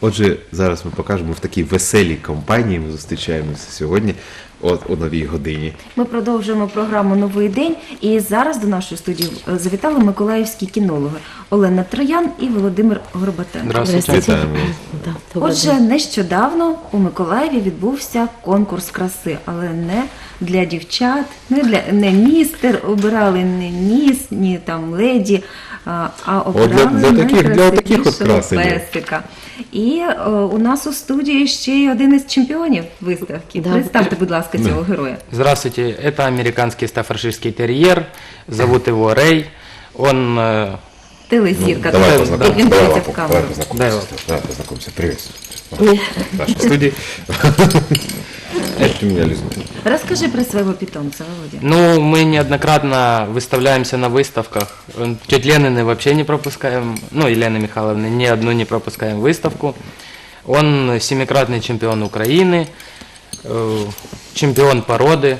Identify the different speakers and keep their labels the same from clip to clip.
Speaker 1: Отже, зараз ми покажемо в такій веселій компанії, ми зустрічаємося сьогодні о новій годині.
Speaker 2: Ми продовжуємо програму «Новий день» і зараз до нашої студії завітали миколаївські кінологи Олена Троян і Володимир Горбатенко.
Speaker 3: Здравствуйте.
Speaker 1: Вітаємо.
Speaker 2: Отже, нещодавно у Миколаєві відбувся конкурс краси, але не для дівчат, не містер, обирали не міс, ні там леді, а обирали
Speaker 1: для таких от
Speaker 2: найкрасивішого
Speaker 1: красенів.
Speaker 2: песика. І у нас у студії ще й один із чемпіонів виставки.
Speaker 3: Да.
Speaker 2: Представте, будь ласка, цього героя.
Speaker 3: Здравствуйте, это американский стаффордширский терьер, зовут его Рэй. Он
Speaker 2: Телезірка.
Speaker 1: Давай
Speaker 2: Як він
Speaker 1: познакомимся.
Speaker 2: дивиться в камеру.
Speaker 1: Давай познакомимся. Приветствую. В нашей студии. Это у меня Лиза.
Speaker 2: Розкажи про свого питомця, Володя.
Speaker 3: ну, мы неоднократно выставляемся на выставках. Тетя Ленины вообще не пропускаем, ну, Елены Михайловны, ни одну не пропускаем выставку. Он 7-кратный чемпион Украины, чемпион породы.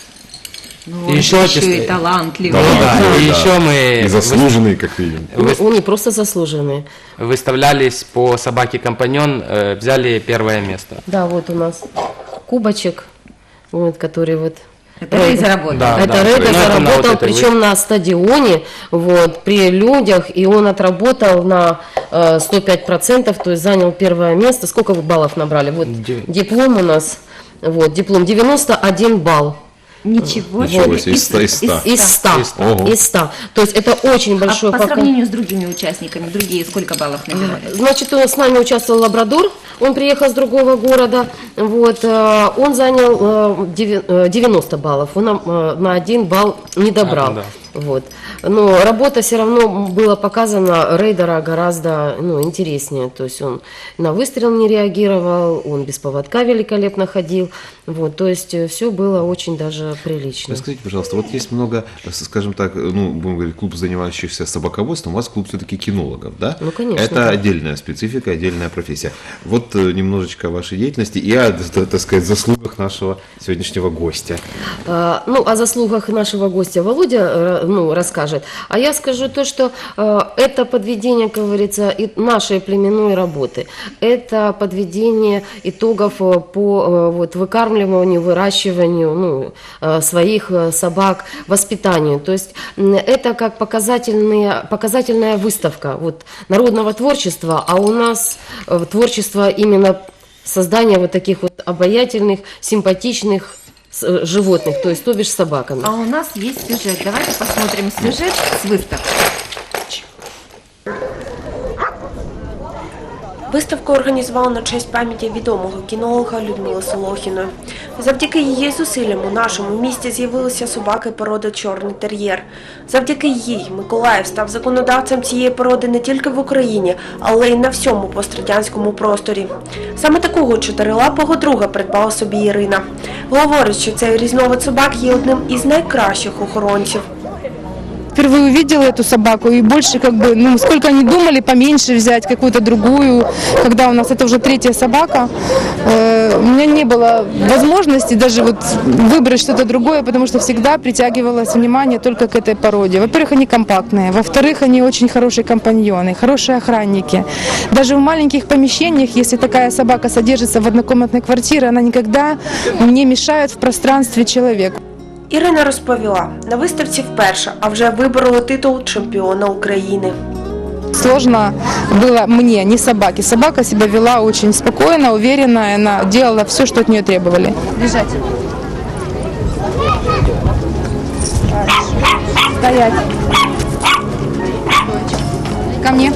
Speaker 2: Ну,
Speaker 3: еще
Speaker 2: і талантливий.
Speaker 3: Да, и еще мы
Speaker 1: И заслуженный, как видим.
Speaker 4: Он не просто заслуженный.
Speaker 3: выставлялись по собаке-компаньон, взяли первое место.
Speaker 4: Да, вот у нас кубочек, вот, который вот...
Speaker 2: Це Рей заработав.
Speaker 3: Да.
Speaker 4: Это Рейда
Speaker 3: Ну, это на
Speaker 4: заработал,
Speaker 3: вот этой
Speaker 4: причем на стадионе, вот, при людях, и он отработал на 105%, то есть занял первое место. Сколько вы баллов набрали? Вот диплом у нас, вот, диплом 91 балл.
Speaker 2: Ничего
Speaker 1: Ничего
Speaker 2: себе.
Speaker 1: себе, из 100.
Speaker 4: Из 100.
Speaker 1: Ого.
Speaker 4: Из 100. То есть это очень большой
Speaker 2: А по
Speaker 4: показатель.
Speaker 2: сравнению с другими участниками, другие сколько баллов набирали?
Speaker 4: Значит, с нами участвовал лабрадор, он приехал с другого города, вот, он занял 90 баллов, он на 1 балл не добрал.
Speaker 3: Да.
Speaker 4: Вот. Но работа все равно была показана Рейдера гораздо интереснее, то есть он на выстрел не реагировал, он без поводка великолепно ходил, вот, то есть все было очень даже прилично.
Speaker 1: Расскажите, пожалуйста, вот есть много, скажем так, ну, будем говорить, клуб, занимающихся собаководством, у вас клуб все-таки кинологов, да?
Speaker 4: Ну, конечно.
Speaker 1: Это
Speaker 4: да.
Speaker 1: отдельная специфика, отдельная профессия. Вот немножечко о вашей деятельности и о, так сказать, заслугах нашего сегодняшнего гостя.
Speaker 4: Ну, о заслугах нашего гостя Володя расскажет. А я скажу то, что это подведение, как говорится, и нашей племенной работы. Это подведение итогов по вот, выкармливанию, выращиванию своих собак, воспитанию. То есть это как показательная выставка вот, народного творчества, а у нас творчество именно создания вот таких вот обаятельных, симпатичных животных, то бишь собаками.
Speaker 2: А у нас есть сюжет. Давайте посмотрим сюжет с выставки.
Speaker 5: Виставку організували на честь пам'яті відомого кінолога Людмили Солохіної. Завдяки її зусиллям у нашому місті з'явилися собаки породи «Чорний тер'єр». Завдяки їй Миколаїв став законодавцем цієї породи не тільки в Україні, але й на всьому пострадянському просторі. Саме такого чотирилапого друга придбала собі Ірина. Говорить, що цей різновид собак є одним із найкращих охоронців.
Speaker 6: Впервые увидела эту собаку и больше сколько они думали, поменьше взять какую-то другую, когда у нас это уже 3-я собака, у меня не было возможности даже вот выбрать что-то другое, потому что всегда притягивалось внимание только к этой породе. Во-первых, они компактные, во-вторых, они очень хорошие компаньоны, хорошие охранники. Даже в маленьких помещениях, если такая собака содержится в однокомнатной квартире, она никогда не мешает в пространстве человеку.
Speaker 5: Ірина розповіла, на виставці вперше, а вже вибороли титул чемпіона України.
Speaker 6: Сложно было мне, не собаке. Собака себя вела очень спокойно, уверенно, она делала все, что от нее требовали. Лежать. Стоять. Ко мне.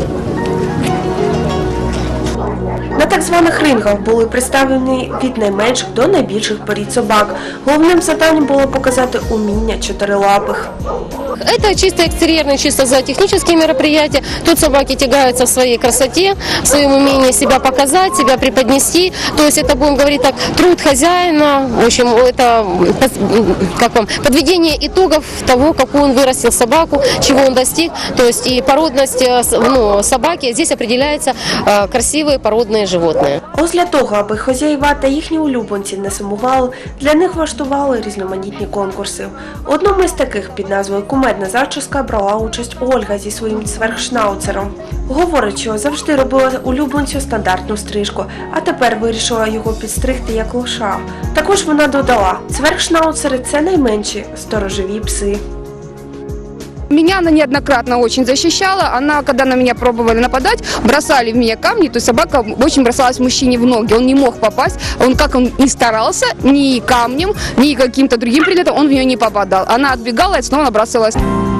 Speaker 5: На так званих рингах були представлені від найменших до найбільших порід собак. Головним завданням було показати уміння чотирилапих.
Speaker 4: Это чисто экстерьерные, чисто зоотехнические мероприятия. Тут собаки тягаются в своей красоте, в своем умении себя показать, себя преподнести. То есть это, будем говорить так, труд хозяина. В общем, это подведение итогов того, какую он вырастил собаку, чего он достиг. То есть и породность собаки. Здесь определяются красивые породные животные. разные.
Speaker 5: Ось для того, аби хазяїва та їхні улюбленці не сумували, для них влаштували різноманітні конкурси. У одному із таких під назвою «Кумедна зачіска» брала участь Ольга зі своїм цверхшнауцером. Говорить, що завжди робила улюбленцю стандартну стрижку, а тепер вирішила його підстригти як лоша. Також вона додала, цверхшнауцери – це найменші сторожові пси.
Speaker 6: Меня она неоднократно очень защищала. Она, когда на меня пробовали нападать, бросали в меня камни, то есть собака очень бросалась мужчине в ноги. Он не мог попасть. Как он ни старался, ни камнем, ни каким-то другим предметом, он в нее не попадал. Она отбегала и снова набрасывалась.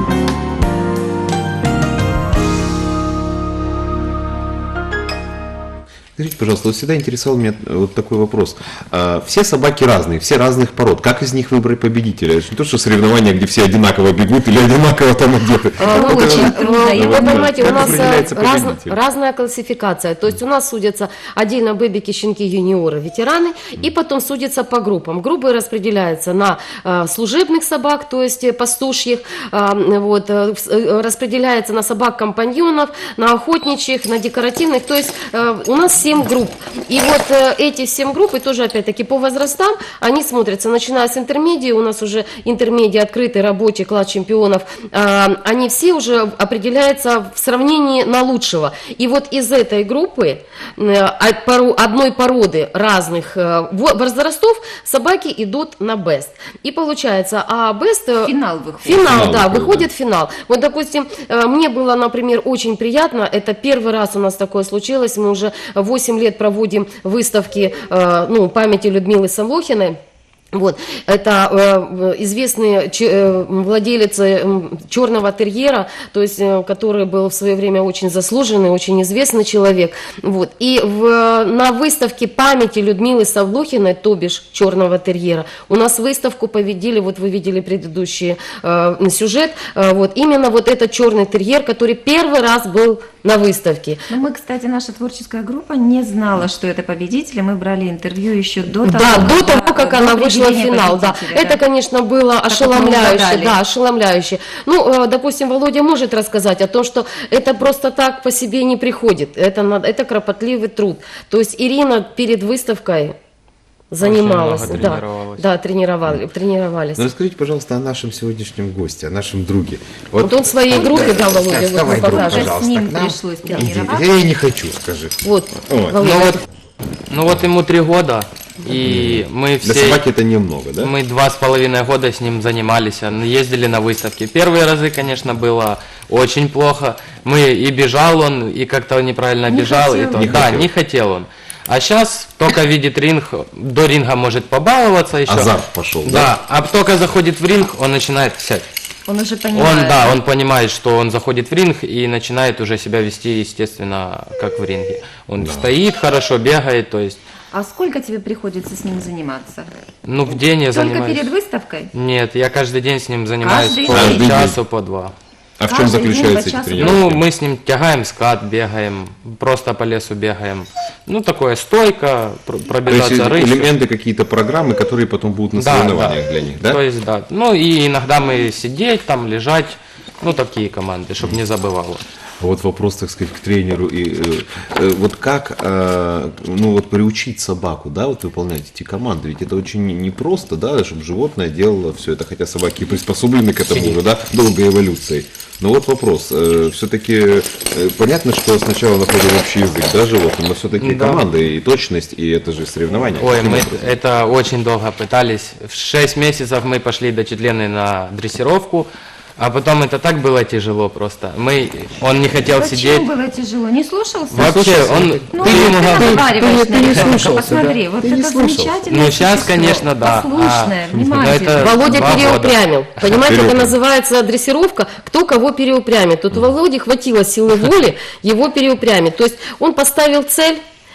Speaker 1: Скажите, пожалуйста, вот всегда интересовал меня вот такой вопрос. Все собаки разные, все разных пород. Как из них выбрать победителя? Это же не то, что соревнования, где все одинаково бегут или одинаково там одеты.
Speaker 2: очень трудно.
Speaker 4: Вы понимаете, у
Speaker 1: Как
Speaker 4: нас
Speaker 1: определяется победитель?
Speaker 4: разная классификация. То есть у нас судятся отдельно бэбики, щенки, юниоры, ветераны, и потом судятся по группам. Группы распределяются на служебных собак, то есть пастушьих, распределяется на собак-компаньонов, на охотничьих, на декоративных. То есть у нас 7 групп. И вот эти 7 групп, и тоже опять-таки по возрастам, они смотрятся, начиная с интермедии, у нас уже интермедии открытый, рабочий, класс чемпионов, они все уже определяются в сравнении на лучшего. И вот из этой группы одной породы разных возрастов собаки идут на бест. И получается, бест...
Speaker 2: Финал выходит.
Speaker 4: Финал, да, выходит финал. Вот, допустим, мне было, например, очень приятно, это первый раз у нас такое случилось, мы уже 8 лет проводим выставки памяти Людмилы Солохиной. Вот. Это известный владелец черного терьера, то есть, который был в свое время очень заслуженный, очень известный человек. Вот. И на выставке памяти Людмилы Савлохиной, то бишь черного терьера, у нас выставку победили, вот вы видели предыдущий сюжет, вот именно вот этот черный терьер, который первый раз был на выставке.
Speaker 2: Но мы, кстати, наша творческая группа не знала, что это победители. Мы брали интервью еще до того,
Speaker 4: до того, как она вышла в финал. Да. Это, конечно, было ошеломляюще. Да, ошеломляюще. Допустим, Володя может рассказать о том, что это просто так по себе не приходит. Это кропотливый труд. То есть Ирина перед выставкой занималась. Тренировались.
Speaker 1: Ну, расскажите, пожалуйста, о нашем сегодняшнем госте, о нашем друге.
Speaker 4: Вот он своей группе, да, Володя, вот
Speaker 1: Вставай,
Speaker 4: мы
Speaker 1: друг,
Speaker 4: покажем.
Speaker 1: пожалуйста,
Speaker 2: С ним
Speaker 1: к нам.
Speaker 2: пришлось
Speaker 1: Иди.
Speaker 2: тренироваться.
Speaker 1: Я не хочу, скажи.
Speaker 4: Вот,
Speaker 1: Ой.
Speaker 4: Володя.
Speaker 3: Вот ему 3 года, и мы
Speaker 1: Для
Speaker 3: все...
Speaker 1: собаки это немного, да?
Speaker 3: Мы 2,5 года с ним занимались, ездили на выставки. Первые разы, конечно, было очень плохо. И бежал он, и как-то он неправильно бежал. Не хотел он. А сейчас только видит ринг, до ринга может побаловаться еще.
Speaker 1: Азарт пошел, да?
Speaker 3: Да, а только заходит в ринг, он начинает сядь.
Speaker 2: Он уже понимает.
Speaker 3: Он понимает, что он заходит в ринг и начинает уже себя вести, естественно, как в ринге. Он стоит хорошо, бегает, то есть...
Speaker 2: А сколько тебе приходится с ним заниматься?
Speaker 3: В день я
Speaker 2: Только
Speaker 3: занимаюсь...
Speaker 2: перед выставкой?
Speaker 3: Нет, я каждый день с ним занимаюсь
Speaker 2: Каждый
Speaker 3: по
Speaker 1: день?
Speaker 3: часу, по 2.
Speaker 1: А в чем
Speaker 2: Каждый день
Speaker 1: заключаются
Speaker 2: по
Speaker 1: эти
Speaker 2: часу?
Speaker 1: тренировки?
Speaker 3: Мы с ним тягаем скат, бегаем, просто по лесу бегаем. Такое стойка,
Speaker 1: То есть
Speaker 3: пробежаться рысью.
Speaker 1: элементы, какие-то программы, которые потом будут на соревнованиях для них, да?
Speaker 3: То есть, да. И иногда мы сидеть там, лежать, такие команды, чтобы не забывало.
Speaker 1: Вот вопрос, так сказать, к тренеру. Вот как приучить собаку, да, вот выполнять эти команды? Ведь это очень непросто, да, чтобы животное делало все это, хотя собаки приспособлены к этому уже, да, долгой эволюцией. Но вот вопрос, все-таки понятно, что сначала находим общий язык, да, животным, но все-таки команды и точность, и это же соревнования.
Speaker 3: Ой, мы это очень долго пытались. В 6 месяцев мы пошли до Четлены на дрессировку. А потом это так было тяжело просто. Он не хотел
Speaker 2: Зачем
Speaker 3: сидеть.
Speaker 2: было тяжело? Не слушался?
Speaker 3: Вообще,
Speaker 2: Ты разговариваешь на ребенка, посмотри, вот это замечательное
Speaker 3: сейчас,
Speaker 2: существо,
Speaker 3: конечно, да.
Speaker 2: послушное, внимательное.
Speaker 4: Володя
Speaker 3: 2 года.
Speaker 4: переупрямил. Понимаете, это называется дрессировка, кто кого переупрямит. Тут у Володи хватило силы воли его переупрямить. То есть он поставил цель,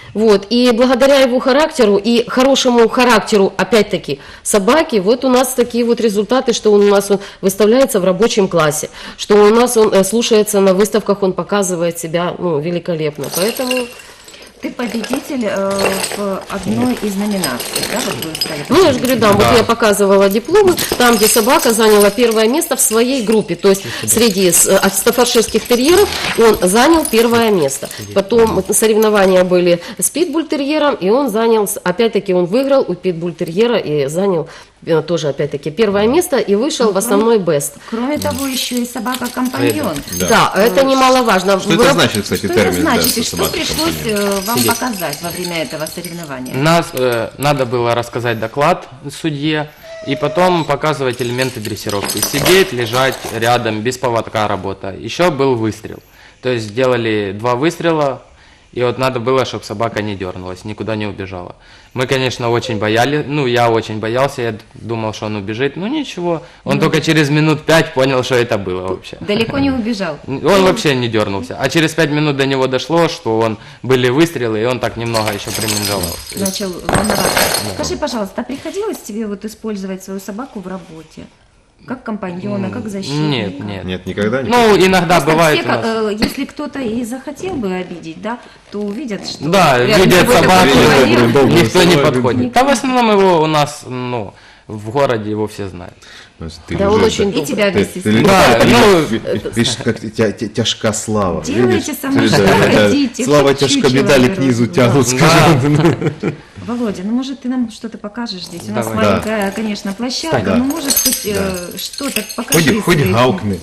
Speaker 4: и благодаря его характеру и хорошему характеру, опять-таки, собаки, вот у нас такие вот результаты, что он у нас выставляется в рабочем классе, что у нас он слушается на выставках, он показывает себя великолепно. Поэтому
Speaker 2: Ты победитель в одной из номинаций, да? Вот вы стали
Speaker 4: Ну, я же говорю, да, вот я показывала дипломы, там, где собака заняла первое место в своей группе, то есть среди стаффордширских терьеров он занял первое место. Потом соревнования были с питбуль-терьером, и он занял, опять-таки, он выиграл у питбуль-терьера и занял тоже, опять-таки, первое место и вышел в основной бест.
Speaker 2: Кроме того, еще и собака-компаньон.
Speaker 4: Да, это немаловажно.
Speaker 1: Что это значит, кстати,
Speaker 2: Что
Speaker 1: термин?
Speaker 2: это
Speaker 1: да,
Speaker 2: значит и что
Speaker 1: собака-компаньон?
Speaker 2: пришлось вам показать во время этого соревнования?
Speaker 3: Нас надо было рассказать доклад судье и потом показывать элементы дрессировки. Сидеть, лежать рядом, без поводка работа. Еще был выстрел. То есть сделали 2 выстрела, и вот надо было, чтобы собака не дернулась, никуда не убежала. Мы, конечно, очень боялись, ну, я очень боялся, я думал, что он убежит. Ну, ничего, он только через минут 5 понял, что это было вообще.
Speaker 2: Далеко не убежал.
Speaker 3: Он вообще не дернулся. А через 5 минут до него дошло, что были выстрелы, и он так немного еще приминжевал.
Speaker 2: Начал волноваться. Скажи, пожалуйста, а приходилось тебе вот использовать свою собаку в работе? Как компаньона, как защитника?
Speaker 3: Нет.
Speaker 1: Нет, никогда не.
Speaker 3: Ну, иногда
Speaker 2: Просто
Speaker 3: бывает
Speaker 2: все,
Speaker 3: у нас.
Speaker 2: если кто-то и захотел бы обидеть, да, то увидят, что
Speaker 3: Да,
Speaker 2: рядом
Speaker 3: видят
Speaker 2: с тобой
Speaker 3: собаку,
Speaker 2: такой человек.
Speaker 3: никто не
Speaker 1: Никто.
Speaker 3: подходит. Да в основном его у нас, ну, в городе его все знают.
Speaker 1: То есть ты
Speaker 4: Да, он
Speaker 1: лежишь,
Speaker 4: очень
Speaker 2: И тебя
Speaker 1: Ты,
Speaker 2: вместе с
Speaker 1: ты,
Speaker 2: ним.
Speaker 3: Да, ну,
Speaker 1: видишь, как тяжка слава.
Speaker 2: Делайте
Speaker 1: видишь?
Speaker 2: со мной,
Speaker 1: Да,
Speaker 2: что
Speaker 1: да,
Speaker 2: хотите,
Speaker 1: Слава
Speaker 2: хоть
Speaker 1: тяжко
Speaker 2: чучело
Speaker 1: медали
Speaker 2: беру.
Speaker 1: к низу
Speaker 2: Да.
Speaker 1: тянут, скажем.
Speaker 2: Володя, ну может ты нам что-то покажешь здесь? У нас
Speaker 3: Давай.
Speaker 2: маленькая, конечно, площадка,
Speaker 1: Да.
Speaker 2: но может хоть что-то покажи.
Speaker 1: Хоть
Speaker 2: своих.
Speaker 1: гаукни.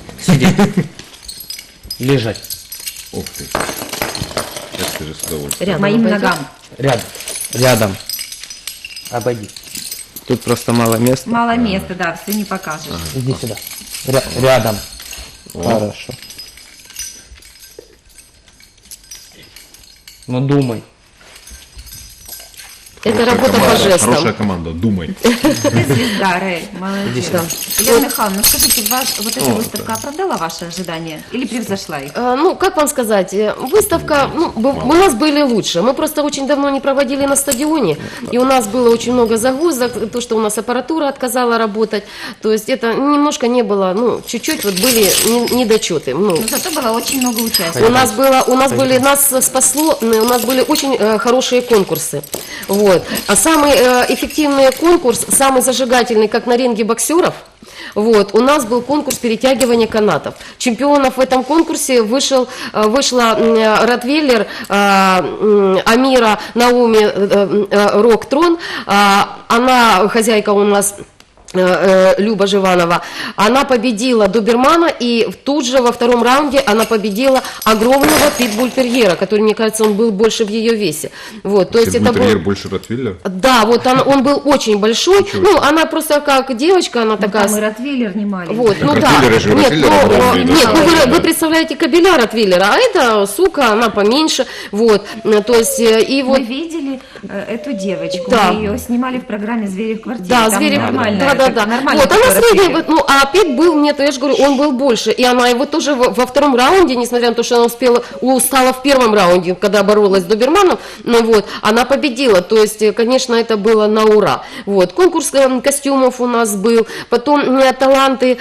Speaker 3: лежать.
Speaker 1: Ух ты. Сейчас ты же с удовольствием.
Speaker 4: Рядом
Speaker 2: Моим
Speaker 4: обойдёт?
Speaker 2: ногам.
Speaker 3: Рядом. Обойди. Тут просто мало места.
Speaker 2: Мало места, да, все не покажешь.
Speaker 3: Иди сюда. Рядом. Хорошо. Ну думай.
Speaker 4: Это работа по
Speaker 1: Хорошая
Speaker 4: жестам.
Speaker 1: команда, думай.
Speaker 2: Ты звезда, Рэй, молодец.
Speaker 4: Да.
Speaker 2: Елена Михайловна, ну скажите, вот эта выставка оправдала ваши ожидания или превзошла их?
Speaker 4: Ну, как вам сказать, выставка, ну, у нас были лучше. Мы просто очень давно не проводили на стадионе, и у нас было очень много загрузок, то, что у нас аппаратура отказала работать. То есть это немножко не было, ну, чуть-чуть вот были недочеты. Ну,
Speaker 2: Но зато было очень много участников.
Speaker 4: нас спасло, у нас были очень хорошие конкурсы. Вот. А самый эффективный конкурс, самый зажигательный, как на ринге боксеров, вот, у нас был конкурс перетягивания канатов. Чемпионов в этом конкурсе вышла ротвейлер Амира Науми Роктрон. Она хозяйка у нас Люба Живанова, она победила добермана, и тут же во втором раунде она победила огромного питбуль-терьера, который, мне кажется, он был больше в ее весе. Вот, то есть это
Speaker 1: Питбуль-терьер
Speaker 4: был...
Speaker 1: больше ротвейлера?
Speaker 4: Да, вот он был очень большой, ну, она просто как девочка, она такая...
Speaker 2: Там и ротвейлер не маленький.
Speaker 4: Вот, ну да,
Speaker 1: Ротвейлеры же,
Speaker 4: нет,
Speaker 1: ротвейлеры огромные, да.
Speaker 4: нет, вы представляете кабеля ротвейлера, а это сука, она поменьше, вот, то есть, и вот...
Speaker 2: Мы видели эту девочку,
Speaker 4: Да.
Speaker 2: мы ее снимали в программе «Звери в квартире».
Speaker 4: Да,
Speaker 2: Там
Speaker 4: звери,
Speaker 2: нормально.
Speaker 4: да.
Speaker 2: Нормально.
Speaker 4: Вот, она средняя, ну, а Пет был, нет, я же говорю, он был больше, и она его тоже во втором раунде, несмотря на то, что она устала в первом раунде, когда боролась с доберманом, ну, вот, она победила, то есть, конечно, это было на ура. Вот, конкурс костюмов у нас был, потом таланты...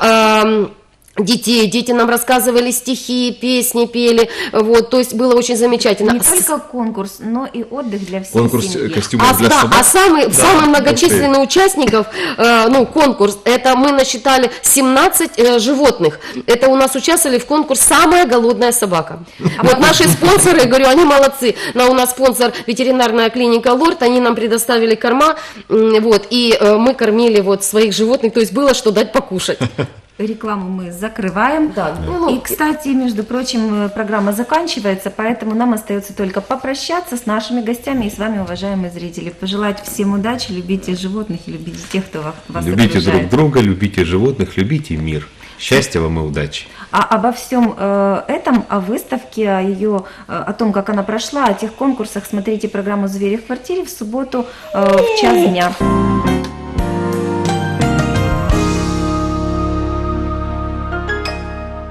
Speaker 4: Дети нам рассказывали стихи, песни пели, вот, то есть было очень замечательно.
Speaker 2: Не только конкурс, но и отдых для всей
Speaker 1: Конкурс
Speaker 2: семьи.
Speaker 1: костюмов для собак?
Speaker 4: Самый многочисленный участников, конкурс, это мы насчитали 17 животных. Это у нас участвовали в конкурс «Самая голодная собака». Вот наши спонсоры, говорю, они молодцы. У нас спонсор ветеринарная клиника «Лорд», они нам предоставили корма, вот, и мы кормили вот своих животных, то есть было что дать покушать.
Speaker 2: Рекламу мы закрываем.
Speaker 4: Да.
Speaker 2: И, кстати, между прочим, программа заканчивается, поэтому нам остается только попрощаться с нашими гостями и с вами, уважаемые зрители. Пожелать всем удачи, любите животных и любите тех, кто вас
Speaker 1: Любите
Speaker 2: окружает.
Speaker 1: друг друга, любите животных, любите мир. Счастья вам и удачи.
Speaker 2: А обо всем этом, о выставке, о том, как она прошла, о тех конкурсах, смотрите программу «Звери в квартире» в субботу в час дня.